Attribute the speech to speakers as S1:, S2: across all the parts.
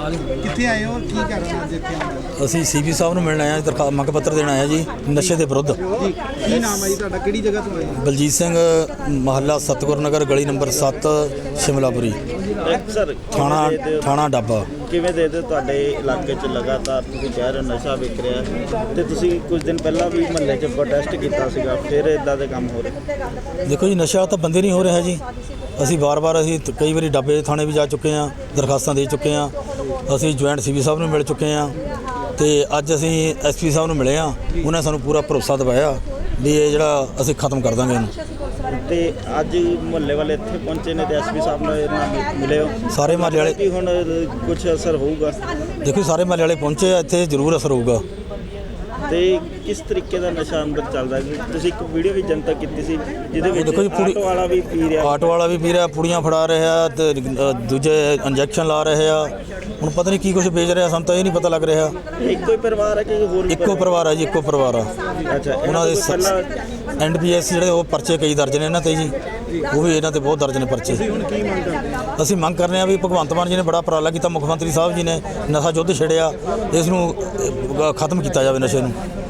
S1: ਕਿੱਥੇ ਆਏ ਹੋ, ਕੀ ਕਰ ਰਹੇ ਹੋ ਅੱਜ ਇੱਥੇ?
S2: ਅਸੀਂ ਸੀਪੀ ਸਾਹਿਬ ਨੂੰ ਮਿਲਣ ਆਏ ਹਾਂ, ਮੰਗ ਪੱਤਰ ਦੇਣ ਆਏ ਹਾਂ ਜੀ ਨਸ਼ੇ ਦੇ ਵਿਰੁੱਧ।
S1: ਜੀ ਕੀ ਨਾਮ ਹੈ ਜੀ ਤੁਹਾਡਾ, ਕਿਹੜੀ ਜਗ੍ਹਾ ਤੋਂ ਆਏ ਹੋ?
S2: ਬਲਜੀਤ ਸਿੰਘ, ਮਹੱਲਾ ਸਤਗੁਰ ਨਗਰ, ਗਲੀ ਨੰਬਰ 7, ਸ਼ਿਮਲਾਪੁਰੀ,
S3: ਸਰ
S2: ਥਾਣਾ ਡਾਬਾ।
S3: ਕਿਵੇਂ ਦੇ ਤੁਹਾਡੇ ਇਲਾਕੇ 'ਚ ਲਗਾਤਾਰ ਤੁਸੀਂ ਕਹਿ ਰਹੇ ਹੋ ਨਸ਼ਾ ਵਿਕ ਰਿਹਾ ਹੈ ਤੇ ਤੁਸੀਂ ਕੁਝ ਦਿਨ ਪਹਿਲਾਂ ਵੀ ਮਹੱਲੇ 'ਚ ਪ੍ਰੋਟੈਸਟ ਕੀਤਾ ਸੀਗਾ, ਫਿਰ ਇਦਾਂ ਦੇ ਕੰਮ ਹੋ ਰਹੇ?
S2: ਦੇਖੋ ਜੀ, ਨਸ਼ਾ ਤਾਂ ਬੰਦੇ ਨਹੀਂ ਹੋ ਰਿਹਾ ਜੀ। ਅਸੀਂ ਵਾਰ-ਵਾਰ ਕਈ ਵਾਰੀ ਡਾਬੇ ਥਾਣੇ ਵੀ ਜਾ ਚੁੱਕੇ ਹਾਂ, ਦਰਖਾਸਤਾਂ ਦੇ ਚੁੱਕੇ ਹਾਂ। ਅਸੀਂ ਜੁਆਇੰਟ ਸੀਪੀ ਸਾਹਿਬ ਨੂੰ ਮਿਲ ਚੁੱਕੇ ਹਾਂ ਤੇ ਅੱਜ ਅਸੀਂ ਐਸਪੀ ਸਾਹਿਬ ਨੂੰ ਮਿਲੇ ਹਾਂ। ਉਹਨਾਂ ਸਾਨੂੰ ਪੂਰਾ ਭਰੋਸਾ ਦਿਵਾਇਆ ਵੀ ਇਹ ਜਿਹੜਾ ਅਸੀਂ ਖਤਮ ਕਰ ਦਾਂਗੇ ਇਹਨੂੰ।
S3: ਤੇ ਅੱਜ ਮੁਹੱਲੇ ਵਾਲੇ ਇੱਥੇ ਪਹੁੰਚੇ ਨੇ ਤੇ ਐਸਪੀ ਸਾਹਿਬ ਨਾਲ ਮਿਲੇ ਹੋ?
S2: ਸਾਰੇ ਮਹੱਲੇ ਵਾਲੇ
S3: ਕਿ ਹੁਣ ਕੁਝ ਅਸਰ ਹੋਊਗਾ?
S2: ਦੇਖੋ, ਸਾਰੇ ਮਹੱਲੇ ਵਾਲੇ ਪਹੁੰਚੇ ਆ, ਇੱਥੇ ਜ਼ਰੂਰ ਅਸਰ ਹੋਊਗਾ।
S3: ਤੇ ਕਿਸ ਤਰੀਕੇ ਦਾ ਨਸ਼ਾ ਅੰਦਰ ਚੱਲਦਾ ਹੈ? ਤੁਸੀਂ ਇੱਕ ਵੀਡੀਓ ਵੀ ਜਨਤਕ ਕੀਤੀ ਸੀ ਜਿਹਦੇ ਵਿੱਚ
S2: ਦੇਖੋ ਜੀ,
S3: ਆਟੋ ਵਾਲਾ ਵੀ ਪੀ ਰਿਹਾ,
S2: ਆਟੋ ਵਾਲਾ ਵੀ ਪੀ ਰਿਹਾ, ਪੁੜੀਆਂ ਫੜਾ ਰਿਹਾ ਤੇ ਦੂਜੇ ਇੰਜੈਕਸ਼ਨ ਲਾ ਰਹੇ ਆ। ਹੁਣ ਪਤਾ ਨਹੀਂ ਕੀ ਕੁਝ ਵੇਚ ਰਿਹਾ, ਸਾਨੂੰ ਤਾਂ ਇਹ ਨਹੀਂ ਪਤਾ ਲੱਗ ਰਿਹਾ।
S3: ਇੱਕੋ ਹੀ ਪਰਿਵਾਰ ਹੈ ਕਿ ਹੋਰ?
S2: ਇੱਕੋ ਪਰਿਵਾਰ ਹੈ ਜੀ, ਇੱਕੋ ਪਰਿਵਾਰ ਆ।
S3: ਅੱਛਾ,
S2: ਉਹਨਾਂ ਦੇ NPS ਜਿਹੜੇ ਉਹ ਪਰਚੇ ਕਈ ਦਰਜ ਨੇ ਇਹਨਾਂ ਤੇ ਜੀ, ਉਹ ਵੀ ਇਹਨਾਂ ਤੇ ਬਹੁਤ ਦਰਜ ਨੇ ਪਰਚੇ। ਅਸੀਂ ਮੰਗ ਕਰ ਰਹੇ ਹਾਂ ਵੀ ਭਗਵੰਤ ਮਾਨ ਜੀ ਨੇ ਬੜਾ ਉਪਰਾਲਾ ਕੀਤਾ, ਮੁੱਖ ਮੰਤਰੀ ਸਾਹਿਬ ਜੀ ਨੇ ਨਸ਼ਾ ਯੁੱਧ ਛੇੜਿਆ, ਇਸ ਨੂੰ ਖਤਮ ਕੀਤਾ ਜਾਵੇ। ਨਸ਼ੇ ਨੂੰ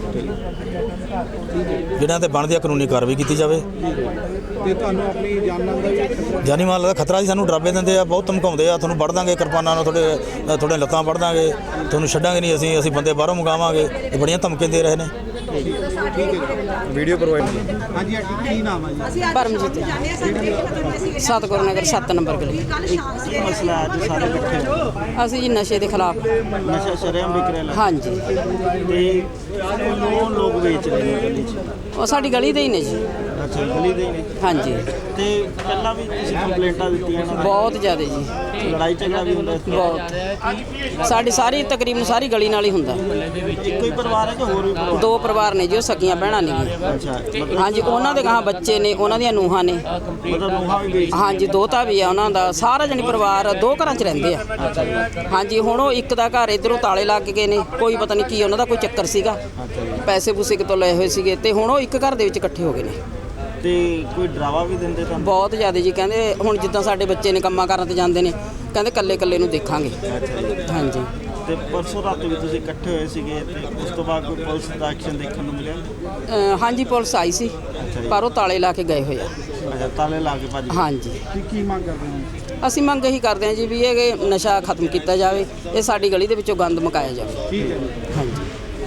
S2: ਜਿਹਨਾਂ ਤੇ ਬਣਦੀ ਆ ਕਾਨੂੰਨੀ ਕਾਰਵਾਈ ਕੀਤੀ ਜਾਵੇ।
S1: ਤੇ ਤੁਹਾਨੂੰ ਆਪਣੀ ਜਾਨ ਦਾ ਵੀ
S2: ਜਾਨੀ ਮਾਲ ਦਾ ਖਤਰਾ ਜੀ। ਸਾਨੂੰ ਡਰਾਵੇ ਦਿੰਦੇ ਆ, ਬਹੁਤ ਧਮਕਾਉਂਦੇ ਆ, ਤੁਹਾਨੂੰ ਵੱਢ ਦਾਂਗੇ ਕਿਰਪਾਨਾਂ ਨਾਲ, ਤੁਹਾਡੇ ਲੱਤਾਂ ਵੱਢ ਦਾਂਗੇ, ਤੁਹਾਨੂੰ ਛੱਡਾਂਗੇ ਨਹੀਂ, ਅਸੀਂ ਬਾਰੇ ਬਾਹਰੋਂ ਮੰਗਾਵਾਂਗੇ। ਇਹ ਬੜੀਆਂ ਧਮਕੀਆਂ ਦੇ ਰਹੇ ਨੇ।
S1: Video provide. ਹਾਂਜੀ ਆਂਟੀ, ਕੀ ਨਾਮ ਹੈ ਜੀ?
S4: ਪਰਮਜੀਤ, ਸਤਗੁਰ ਨਗਰ 7 ਨੰਬਰ ਗਲੀ।
S3: ਕੀ ਮਸਲਾ ਅੱਜ ਸਾਰੇ ਇਕੱਠੇ ਹੋ?
S4: ਅਸੀਂ ਜੀ ਨਸ਼ੇ ਦੇ ਖਿਲਾਫ।
S3: ਨਸ਼ਾ ਸ਼ਰੇਆਮ ਵਿਕ ਰਿਹਾ?
S4: ਹਾਂਜੀ,
S3: ਤੇ ਉਹ ਲੋਕ ਵੇਚ ਰਹੇ ਨੇ ਗਲੀ 'ਚ?
S4: ਉਹ ਸਾਡੀ ਗਲੀ ਦੇ ਹੀ ਨੇ ਜੀ।
S3: ਅੱਛਾ, ਗਲੀ ਦੇ ਹੀ ਨੇ।
S4: ਹਾਂਜੀ,
S3: ਤੇ ਪਹਿਲਾਂ ਵੀ ਤੁਸੀਂ ਕੰਪਲੇਂਟਾਂ ਦਿੱਤੀਆਂ ਇਹਨਾਂ ਦੀਆਂ?
S4: ਬਹੁਤ ਜ਼ਿਆਦਾ ਜੀ,
S3: ਲੜਾਈ ਝਗੜਾ ਵੀ ਹੁੰਦਾ?
S4: ਬਹੁਤ। ਸਾਡੀ ਸਾਰੀ ਤਕਰੀਬਨ ਸਾਰੀ ਗਲੀ ਨਾਲ ਹੀ ਹੁੰਦਾ।
S3: ਇੱਕੋ ਹੀ ਪਰਿਵਾਰ ਹੈ ਕਿ ਹੋਰ ਵੀ ਪਰਿਵਾਰ?
S4: 2 ਪਰਿਵਾਰ ਨੇ ਜੀ, ਉਹ ਸਕੀਆਂ ਭੈਣਾਂ ਨੇ।
S3: ਅੱਛਾ,
S4: ਹਾਂਜੀ, ਉਹਨਾਂ ਦੇ ਗਾਂ ਬੱਚੇ ਨੇ, ਉਹਨਾਂ ਦੀਆਂ ਨੂੰਹਾਂ ਨੇ।
S3: ਮਤਲਬ ਨੂੰਹਾਂ ਵੀ ਵੇਚ?
S4: ਹਾਂਜੀ, ਦੋਤਾ ਵੀ ਆ ਉਹਨਾਂ ਦਾ। ਸਾਰਾ ਜਣੀ ਪਰਿਵਾਰ 2 ਘਰਾਂ 'ਚ ਰਹਿੰਦੇ ਆ। ਹਾਂਜੀ, ਹੁਣ ਉਹ ਇੱਕ ਦਾ ਘਰ ਇੱਧਰੋਂ ਤਾਲੇ ਲੱਗ ਗਏ ਨੇ, ਕੋਈ ਪਤਾ ਨਹੀਂ ਕੀ ਉਹਨਾਂ ਦਾ ਕੋਈ ਚੱਕਰ ਸੀਗਾ, ਪੈਸੇ ਪੂਸੇ ਕਿਤੋਂ ਲਏ ਹੋਏ ਸੀਗੇ, ਤੇ ਹੁਣ ਉਹ ਇੱਕ ਘਰ ਦੇ ਵਿੱਚ ਇਕੱਠੇ ਹੋ ਗਏ ਨੇ।
S3: ਤੇ ਕੋਈ ਡਰਾਵਾ ਵੀ ਦਿੰਦੇ ਤੁਹਾਨੂੰ?
S4: ਬਹੁਤ ਜ਼ਿਆਦਾ ਜੀ। ਕਹਿੰਦੇ ਹੁਣ ਜਿੱਦਾਂ ਸਾਡੇ ਬੱਚੇ ਨੇ ਕੰਮਾਂ ਕਰਨ ਤੇ ਜਾਂਦੇ ਨੇ, ਕਹਿੰਦੇ ਕੱਲੇ ਨੂੰ ਦੇਖਾਂਗੇ। ਹਾਂਜੀ।
S3: ਤੇ ਪਰਸੋਂ ਰਾਤ ਵੀ ਤੁਸੀਂ ਇਕੱਠੇ ਹੋਏ ਸੀਗੇ ਤੇ ਉਸ ਤੋਂ ਬਾਅਦ ਕੋਈ ਪੁਲਿਸ ਦਾ ਐਕਸ਼ਨ ਦੇਖਣ ਨੂੰ ਮਿਲਿਆ?
S4: ਹਾਂਜੀ, ਪੁਲਿਸ ਆਈ ਸੀ, ਪਰ ਉਹ ਤਾਲੇ ਲਾ ਕੇ ਗਏ ਹੋਏ ਆ।
S3: ਅੱਛਾ, ਤਾਲੇ ਲਾ ਕੇ ਭੱਜ ਗਏ?
S4: ਹਾਂਜੀ।
S1: ਕੀ ਮੰਗ ਕਰਦੇ ਹੋ?
S4: ਅਸੀਂ ਮੰਗ ਇਹੀ ਕਰਦੇ ਹਾਂ ਜੀ ਵੀ ਇਹ ਨਸ਼ਾ ਖਤਮ ਕੀਤਾ ਜਾਵੇ, ਇਹ ਸਾਡੀ ਗਲੀ ਦੇ ਵਿੱਚੋਂ ਗੰਦ ਮੁਕਾਇਆ ਜਾਵੇ।
S1: ਠੀਕ ਹੈ ਜੀ।
S4: ਹਾਂਜੀ।